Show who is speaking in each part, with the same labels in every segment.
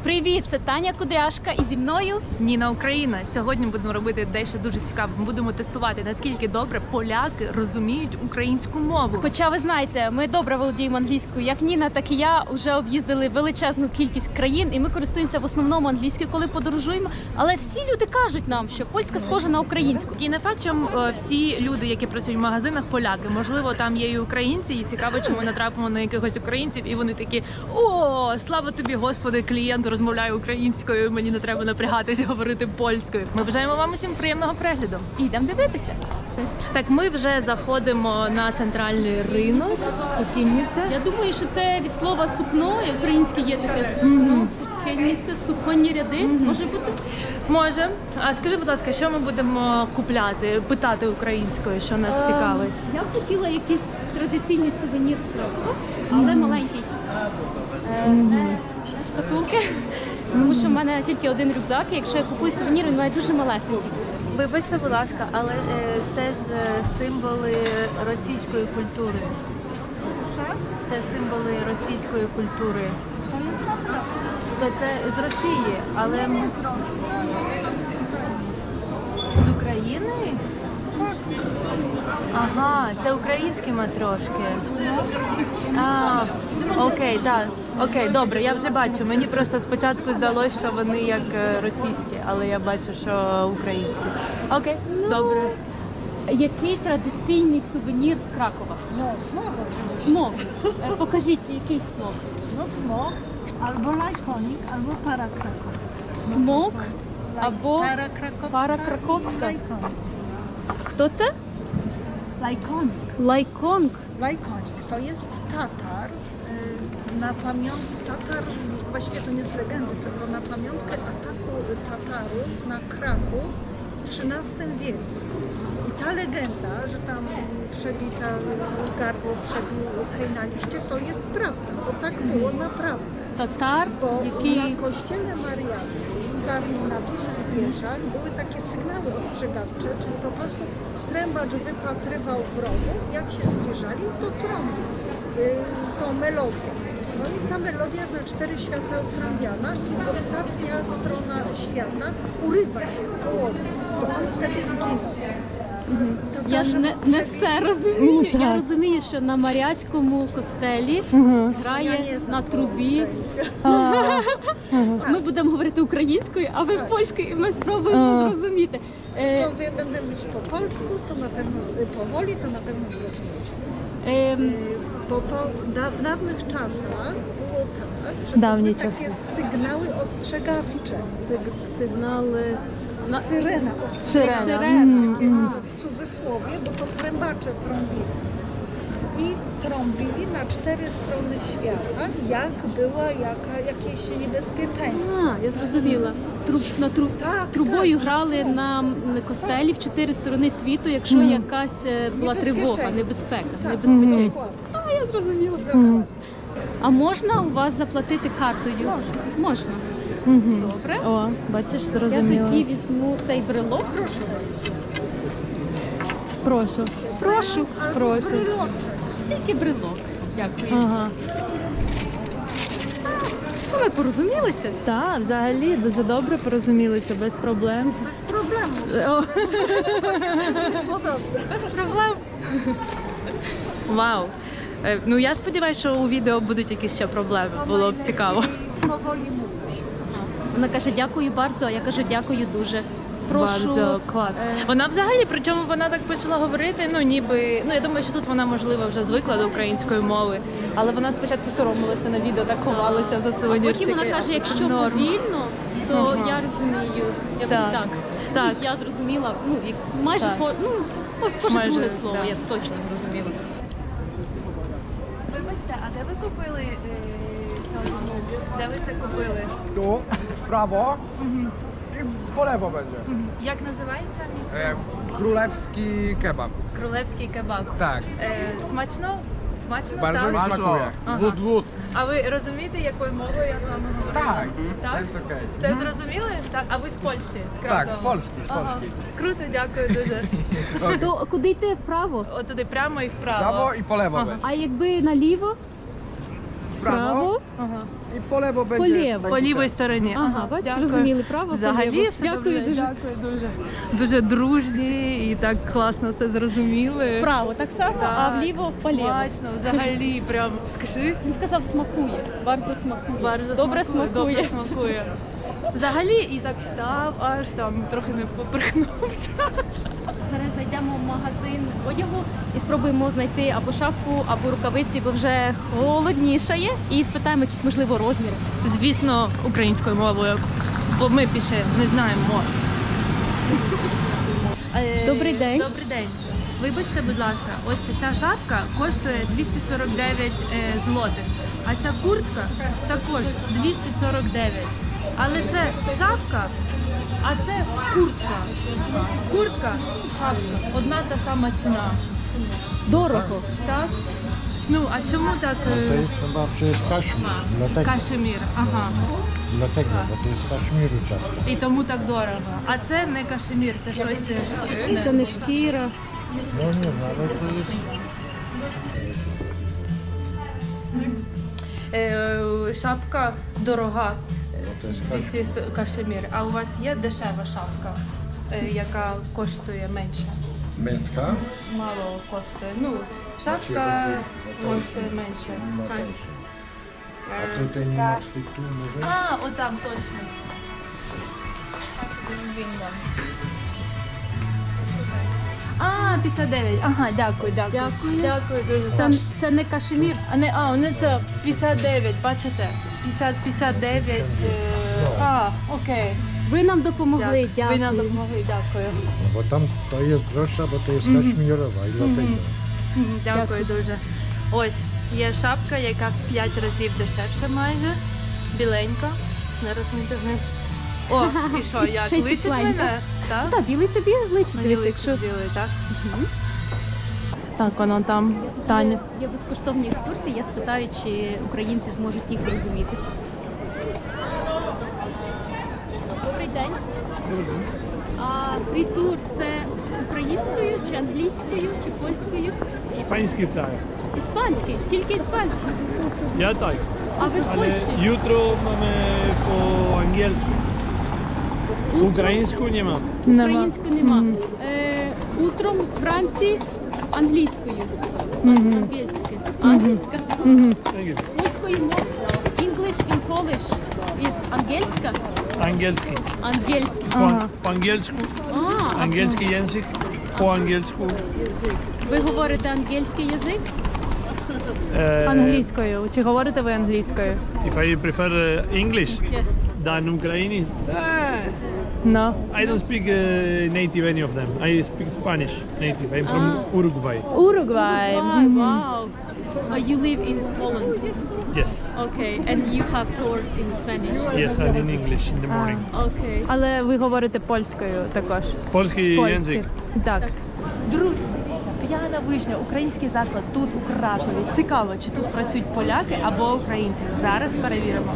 Speaker 1: Привіт, це Таня Кудряшка і зі мною
Speaker 2: Ніна Україна. Сьогодні будемо робити дещо дуже цікаве. Ми будемо тестувати, наскільки добре поляки розуміють українську мову.
Speaker 1: Хоча ви знаєте, ми добре володіємо англійською. Як Ніна, так і я вже об'їздили величезну кількість країн, і ми користуємося в основному англійською, коли подорожуємо. Але всі люди кажуть нам, що польська схожа на українську.
Speaker 2: І не факт, що всі люди, які працюють в магазинах, поляки. Можливо, там є і українці, і цікаво, чи ми натрапимо на якихось українців, і вони такі: о, слава тобі, Господи, клієнт розмовляє українською, мені не треба напрягатися говорити польською. Ми бажаємо вам усім приємного перегляду.
Speaker 1: Ідемо дивитися.
Speaker 2: Так, ми вже заходимо на центральний ринок, сукінниця.
Speaker 1: Я думаю, що це від слова сукно, і українське є таке сукно, сукенниця, суконні ряди. Може бути?
Speaker 2: Може. А скажи, будь ласка, що ми будемо купляти, питати українською, що нас цікавить?
Speaker 1: Я б хотіла якийсь традиційний сувенір з Кракова, але маленький. Не шкатулки, тому що в мене тільки один рюкзак, і якщо я купую сувенір, він має дуже малесенький.
Speaker 2: Вибачте, будь ласка, але це ж символи російської культури. Це символи російської культури. Це з Росії, але ми з України? Ага, це українські матрошки. Окей, так. Окей, добре, я вже бачу. Мені просто спочатку здалося, що вони як російські, але я бачу, що українські. Окей, добре.
Speaker 1: Який традиційний сувенір з Кракова?
Speaker 3: No, smog oczywiście.
Speaker 1: Смок. Покажіть, який смок?
Speaker 3: No smog, albo lajkonik, albo para krakowska.
Speaker 1: Смок або
Speaker 3: para krakowska
Speaker 1: krakowska.
Speaker 3: i lajkonik.
Speaker 1: Хто це?
Speaker 3: Lajkonik.
Speaker 1: Lajkong.
Speaker 3: Lajkonik to jest Tatar, na pamiątkę, Tatar, właściwie to nie z legendy, tylko na pamiątkę ataku Tatarów na Kraków w XIII wieku. I ta legenda, że tam przebita gardło, przebił hej na liście, to jest prawda, bo tak było naprawdę.
Speaker 1: Татар,
Speaker 3: Bo
Speaker 1: який
Speaker 3: na kościele mariackim, dawniej na dużych wieżach, były takie sygnały ostrzegawcze, czyli po prostu trębacz wypatrywał wrogów, jak się zbliżali, to trąbił tą melodię. No i ta melodia jest na 4 świata utrąbiana i ostatnia strona świata urywa się w połowie, bo on wtedy zginął.
Speaker 1: я не все розумію. Я розумію, що на Маріатському костелі грає на трубі. Ми будемо говорити українською, а ви польською, і ми спробуємо зрозуміти.
Speaker 3: To będę mówić po polsku, to na pewno powoli, to na pewno zrozumiecie. Bo to w dawnych czasach było tak, że
Speaker 2: Dawniej
Speaker 3: były takie sygnały ostrzegawcze.
Speaker 1: Сигнали.
Speaker 3: Syrena ostrzegawcza,
Speaker 1: Сирена.
Speaker 3: takie w cudzysłowie, bo to trębacze trąbili. I trąbili na 4 strony świata, jak była jakieś niebezpieczeństwo.
Speaker 1: Я зрозуміла. Трубою грали на костелі в 4 сторони світу, якщо якась була тривога, небезпека, небезпечність. Я зрозуміла.
Speaker 3: Dokładnie.
Speaker 1: А можна у вас заплатити картою? Можна. Добре.
Speaker 2: О, бачиш,
Speaker 1: Я
Speaker 2: зрозуміло.
Speaker 1: тоді візьму цей брелок.
Speaker 2: Прошу.
Speaker 1: Прошу.
Speaker 2: Прошу.
Speaker 1: Тільки брелок. Дякую.
Speaker 2: Ага.
Speaker 1: Ну, ми порозумілися.
Speaker 2: Так, взагалі дуже добре порозумілися, без проблем.
Speaker 3: Bez problemu.
Speaker 2: О,
Speaker 3: Jest podobne.
Speaker 1: Без проблем.
Speaker 2: вау. Ну я сподіваюся, що у відео будуть якісь ще проблеми. Було б цікаво.
Speaker 3: Powoli mówić.
Speaker 1: Вона каже, дякую bardzo, а я кажу, дякую дуже. Прошу.
Speaker 2: Bardzo клас. Вона взагалі, причому вона так почала говорити, ну ніби, ну я думаю, що тут вона можливо вже звикла до української мови, але вона спочатку соромилася на відео, так ховалася за сувенірчики.
Speaker 1: Потім вона каже, якщо повільно, то я розумію. Якось
Speaker 2: Так.
Speaker 1: так.
Speaker 2: Так.
Speaker 1: Ну, я зрозуміла, ну, майже
Speaker 2: Так.
Speaker 1: кожне
Speaker 2: Майже,
Speaker 1: друге слово,
Speaker 2: да.
Speaker 1: я точно зрозуміла.
Speaker 2: Вибачте, а де ви купили? Де ви це купили?
Speaker 4: Tu, w prawo i po lewo będzie.
Speaker 2: Як називається?
Speaker 4: Królewski kebab.
Speaker 2: Крólewський кебаб.
Speaker 4: Tak,
Speaker 2: Смачно? Смачно,
Speaker 4: bardzo
Speaker 2: так?
Speaker 4: mi smakuje.
Speaker 2: Ага.
Speaker 4: Lód.
Speaker 2: А ви розумієте, якою мовою я з вами говорила?
Speaker 4: Tak,
Speaker 2: Так?
Speaker 4: to jest okej.
Speaker 2: Все зрозуміли? Так. А ви з Польщі? З Кракова?
Speaker 4: Tak, z Polski, z
Speaker 2: Ага.
Speaker 4: Polski.
Speaker 2: Круто, дякую дуже.
Speaker 1: То куди йти вправо?
Speaker 2: От туди прямо і вправо.
Speaker 4: Prawo i po lewo będzie.
Speaker 1: А якби наліво?
Speaker 4: prawo
Speaker 2: Ага.
Speaker 4: i po lewo będzie.
Speaker 1: По ліво.
Speaker 2: По лівій стороні.
Speaker 1: Ага, бачите,
Speaker 2: Дякую.
Speaker 1: зрозуміли, право,
Speaker 2: Взагалі,
Speaker 1: поліво.
Speaker 2: все
Speaker 1: Дякую
Speaker 2: добре,
Speaker 1: дуже.
Speaker 2: Дякую дуже. Дуже дружні і так класно все зрозуміли.
Speaker 1: Вправо так само, а
Speaker 2: Так,
Speaker 1: вліво поліво.
Speaker 2: Смачно, взагалі, прям скажи.
Speaker 1: Він сказав, смакує. Варто смакує.
Speaker 2: Bardzo
Speaker 1: Добре
Speaker 2: Добре
Speaker 1: смакує.
Speaker 2: смакує. Взагалі і так встав, аж там трохи не поперхнувся.
Speaker 1: Зараз зайдемо в магазин одягу і спробуємо знайти або шапку, або рукавиці, бо вже холоднішає. І спитаємо якісь, можливо, розміри.
Speaker 2: Звісно, українською мовою, бо ми більше не знаємо мов.
Speaker 1: Добрий день.
Speaker 2: Добрий день. Вибачте, будь ласка, ось ця шапка коштує 249 злотих, а ця куртка також 249. Але це шапка, а це куртка. Куртка, шапка, одна та сама ціна.
Speaker 1: Дорого.
Speaker 2: Так? Ну, а чому так?
Speaker 5: To jest chyba przecież kaszmir, dlatego,
Speaker 2: Кашемір, ага.
Speaker 5: bo to jest kaszmiru ciasto.
Speaker 2: І тому так дорого. А це не кашемір, це щось штучне.
Speaker 1: Це не шкіра.
Speaker 5: No nie no, ale to jest...
Speaker 2: Шапка дорога,
Speaker 5: To jest kaszmir.
Speaker 2: 200 кашемір. А у вас є дешева шапка, яка коштує менше?
Speaker 5: Męska?
Speaker 2: Мало коштує. Ну, шапка коштує менше.
Speaker 5: No
Speaker 2: Так.
Speaker 5: tańsze. A tutaj nie masz tych tu może?
Speaker 2: А, отам точно. А, 59. Ага, дякую, дякую.
Speaker 1: Дякую.
Speaker 2: Дякую дуже.
Speaker 1: Це не кашемір.
Speaker 2: Не це 59, бачите? 59. Окей.
Speaker 1: Ви нам допомогли. Дякую.
Speaker 2: Ви нам допомогли, дякую.
Speaker 5: No bo tam to jest droższa, bo to jest kaszmirowa i dlatego.
Speaker 2: Дякую дуже. Ось, є шапка, яка в 5 разів дешевше майже. Біленька. Зараз ми дивимось. О, і що, як
Speaker 1: Ще й
Speaker 2: личить
Speaker 1: тепленька.
Speaker 2: мене? Так?
Speaker 1: Так, білий тобі личить,
Speaker 2: Мені
Speaker 1: дивись,
Speaker 2: личить
Speaker 1: якщо
Speaker 2: білий, так? Так, воно там. Таня.
Speaker 1: є безкоштовні екскурсії, я спитаю, чи українці зможуть їх зрозуміти. Добрий день. А фрітур це українською, чи англійською, чи польською?
Speaker 6: Hiszpański flag.
Speaker 1: Іспанський, тільки іспанський.
Speaker 6: Ja tak,
Speaker 1: А ви з
Speaker 6: ale
Speaker 1: Польщі?
Speaker 6: jutro mamy po angielsku.
Speaker 1: Утром-
Speaker 6: Ukraińsku nie ma.
Speaker 1: Українською нема. Утром, вранці англійською. Англійська. Англійська.
Speaker 6: Tak jest.
Speaker 1: Польською мовою. English in Polish is angielska.
Speaker 6: Angielski.
Speaker 1: Ангельський.
Speaker 6: Po angielsku, angielski język, po angielsku.
Speaker 1: Язик. Ви говорите ангельський язик?
Speaker 2: Англійською. Чи говорите ви англійською?
Speaker 6: If I prefer English
Speaker 1: Yes.
Speaker 6: than Ukrainian,
Speaker 2: No.
Speaker 6: I don't speak native any of them. I speak Spanish native. I'm from Uruguay.
Speaker 2: Уругвай.
Speaker 1: Wow. You live in Poland.
Speaker 6: Yes.
Speaker 1: Okay. And you have tours in Spanish.
Speaker 6: Yes, and in English in the morning.
Speaker 1: Okay.
Speaker 2: Але ви говорите польською також.
Speaker 6: Polski język.
Speaker 2: Так. Друзі, п'яна вишня, український заклад тут у Кракові. Цікаво, чи тут працюють поляки або українці. Зараз перевіримо.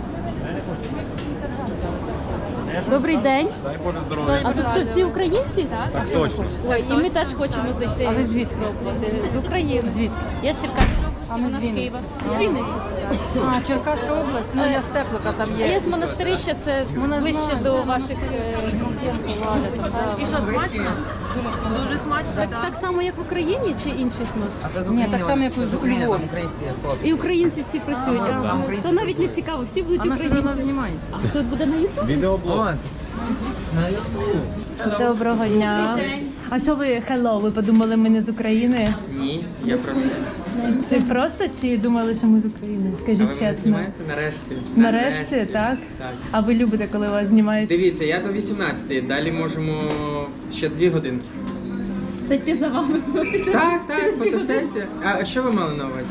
Speaker 1: Добрий день.
Speaker 7: Дай Боже здоров'я.
Speaker 1: А тут що, всі українці?
Speaker 7: Так точно.
Speaker 1: Ой, і ми теж хочемо зайти.
Speaker 2: А ви звідки?
Speaker 1: спробувати. З України. Звідки? Я з Черкаської області, вона з Києва. З Вінниці.
Speaker 8: А, Черкаська область, ну я з Теплика там
Speaker 1: А
Speaker 8: є.
Speaker 1: я з Монастирища, це ближче до ваших...
Speaker 2: І що, смачно? Дуже смачно,
Speaker 1: Так само, як в Україні, чи інший смак?
Speaker 8: Ні, так само, як і з
Speaker 9: Україна,
Speaker 8: Львова.
Speaker 9: там українські хлопці.
Speaker 1: І українці всі працюють. Ага. То навіть не цікаво, всі будуть українці.
Speaker 8: знімає?
Speaker 1: А хто буде на Ютуб?
Speaker 7: Відеоблог.
Speaker 2: Доброго дня. А що ви, hello, ви подумали, ми не з України?
Speaker 9: Ні, я просто.
Speaker 2: Чи просто, чи думали, що ми з України? Скажіть чесно.
Speaker 9: Нарешті.
Speaker 2: Нарешті, так?
Speaker 9: Так.
Speaker 2: А ви любите, коли вас знімають?
Speaker 9: Дивіться, я до 18-ї, далі можемо ще 2 годинки.
Speaker 1: Зайти за вами після
Speaker 9: Так, фотосесія. А що ви мали на увазі?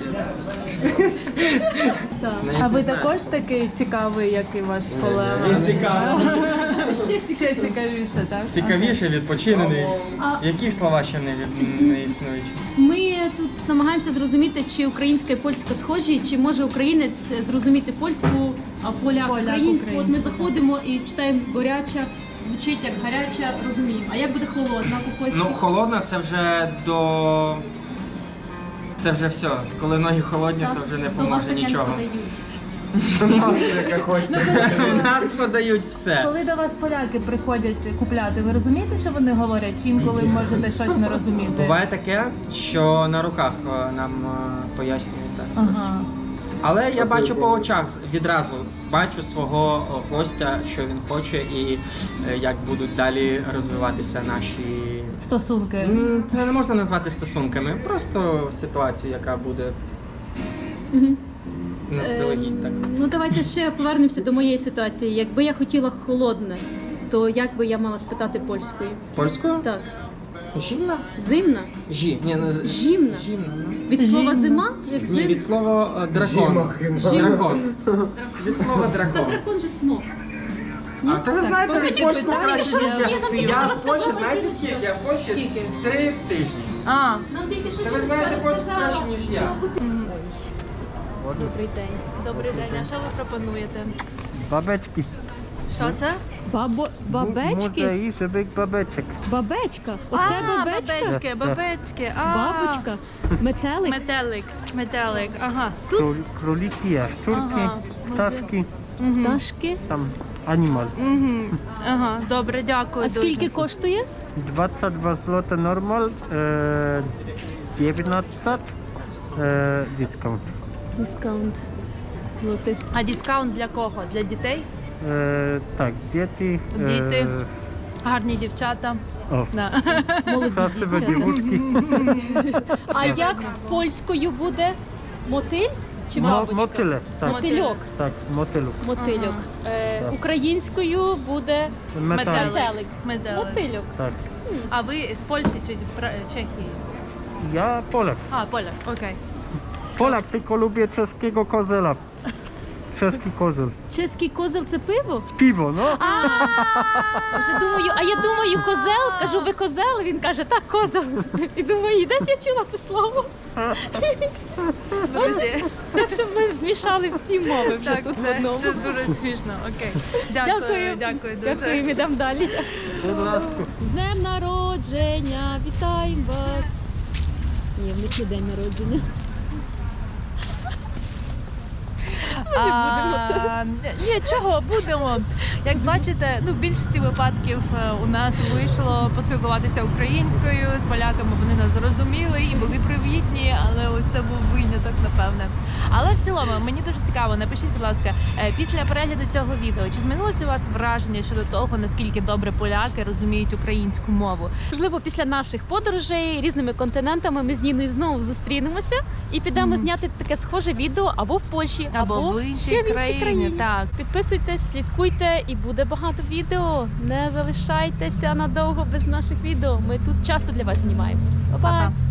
Speaker 1: Так.
Speaker 9: Навіть
Speaker 2: А ви
Speaker 9: не знаю.
Speaker 2: також такий цікавий, як і ваш колега?
Speaker 9: Він цікавий.
Speaker 2: Ще цікавіше, так?
Speaker 9: Цікавіше, відпочинений. Які слова ще не існують?
Speaker 1: Ми тут намагаємося зрозуміти, чи українська і польська схожі, чи може українець зрозуміти польську, а поляк українську. От ми заходимо і читаємо горяча, звучить як гаряча, розуміємо. А як буде холодна по-польськи?
Speaker 9: Ну, холодна це вже до Це вже все. Коли ноги холодні, то вже не
Speaker 1: То вас
Speaker 9: поможе
Speaker 1: таке не
Speaker 9: нічого.
Speaker 1: подають.
Speaker 5: Яка хочете.
Speaker 9: У нас подають все.
Speaker 2: Коли до вас поляки приходять купляти, ви розумієте, що вони говорять? Чи інколи можете щось не розуміти?
Speaker 9: Буває таке, що на руках нам пояснюють також.
Speaker 2: Ага.
Speaker 9: Але я бачу по очах відразу, бачу свого гостя, що він хоче і як будуть далі розвиватися наші.
Speaker 2: Стосунки.
Speaker 9: Це не можна назвати стосунками, просто ситуацію, яка буде
Speaker 1: Мгм.
Speaker 9: наздалегідь так.
Speaker 1: Ну давайте ще повернемося до моєї ситуації. Якби я хотіла холодне, то як би я мала спитати польською?
Speaker 9: Польською?
Speaker 1: Так,
Speaker 9: Жімна?
Speaker 1: зимна?
Speaker 9: Ні, не
Speaker 1: Жімна.
Speaker 9: Жімна. Ну.
Speaker 1: Від слова
Speaker 2: Жімна.
Speaker 1: зима? Як
Speaker 9: Ні,
Speaker 1: зим?
Speaker 9: від слова дракон.
Speaker 1: Жіма.
Speaker 9: Дракон. Від слова
Speaker 1: Та
Speaker 9: дракон.
Speaker 1: дракон же смог.
Speaker 9: А то ви знаєте,
Speaker 2: Покажіть
Speaker 9: в Польщі
Speaker 2: питання,
Speaker 9: краще,
Speaker 1: що
Speaker 9: ніж я.
Speaker 1: ні, нам тільки
Speaker 9: Я
Speaker 1: що
Speaker 9: в Польщі,
Speaker 1: розказали,
Speaker 9: знаєте
Speaker 1: які
Speaker 9: скільки? Я в Польщі
Speaker 2: Скільки?
Speaker 9: 3 тижні.
Speaker 2: А,
Speaker 1: Нам тільки що
Speaker 9: Та ви знаєте польську краще, ніж я.
Speaker 1: Добрий день.
Speaker 2: добрий день. А що ви пропонуєте?
Speaker 7: Бабeczki.
Speaker 2: Що це?
Speaker 1: Бабечки?
Speaker 7: Muzei żywych babeczek.
Speaker 1: Бабечка? Оце бабечка?
Speaker 2: Бабечки, бабечки. А,
Speaker 1: Бабочка? Метелик?
Speaker 2: Метелик. Ага. Тут?
Speaker 7: Króliki, jaszczurki,
Speaker 2: Aha.
Speaker 7: ptaszki,
Speaker 1: Пташки?
Speaker 7: tam animals.
Speaker 2: Ага, добре, дякую.
Speaker 1: А скільки коштує?
Speaker 7: 22 zł normal, 19 discount.
Speaker 1: Дискаунт. Злотих.
Speaker 2: А дискаунт для кого? Для дітей?
Speaker 7: Tak, dzieci.
Speaker 2: Діти. Гарні дівчата.
Speaker 7: O,
Speaker 2: Да.
Speaker 1: Молоді
Speaker 7: kraszywe
Speaker 1: дівчата.
Speaker 7: dziewuszki.
Speaker 1: А як польською буде? Мотиль чи бабочка?
Speaker 7: Motyle, tak.
Speaker 1: Мотильок.
Speaker 7: Tak, motylu.
Speaker 1: Мотильок.
Speaker 7: Так.
Speaker 1: Українською буде
Speaker 7: Metalik.
Speaker 1: метелик.
Speaker 2: Метелик.
Speaker 1: Мотильок.
Speaker 7: Tak.
Speaker 2: А ви з Польщі чи Чехії?
Speaker 7: Ja Polak.
Speaker 2: А, Поля, окей.
Speaker 7: Polak, tylko lubię czeskiego kozela. Czeski kozel.
Speaker 1: Чеський козел це пиво?
Speaker 7: Piwo, no.
Speaker 1: Вже думаю, а я думаю, козел. Кажу, ви козел? Він каже, так, козел. І думаю, десь я чула те слово.
Speaker 2: Друзі,
Speaker 1: Так що ми змішали всі мови вже
Speaker 2: так,
Speaker 1: тут в
Speaker 2: це
Speaker 1: одному.
Speaker 2: дуже смішно. Окей.
Speaker 1: Дякую.
Speaker 2: Дякую дуже.
Speaker 1: Дякую, йдемо далі. З днем народження, вітаємо вас. Ні, в них не день народження.
Speaker 2: Ні, чого, будемо. Як бачите, в більшості випадків у нас вийшло поспілкуватися українською з поляками. Вони нас зрозуміли і були привітні, але ось це був виняток, напевне. Але в цілому мені дуже цікаво. Напишіть, будь ласка, після перегляду цього відео, чи змінилося у вас враження щодо того, наскільки добре поляки розуміють українську мову?
Speaker 1: Можливо, після наших подорожей різними континентами ми з Ніною знову зустрінемося і підемо зняти таке схоже відео або в Польщі,
Speaker 2: Або в іншій
Speaker 1: ще в іншій країні.
Speaker 2: Так.
Speaker 1: Підписуйтесь, слідкуйте і буде багато відео. Не залишайтеся надовго без наших відео. Ми тут часто для вас знімаємо. Па-па!
Speaker 2: Па-па.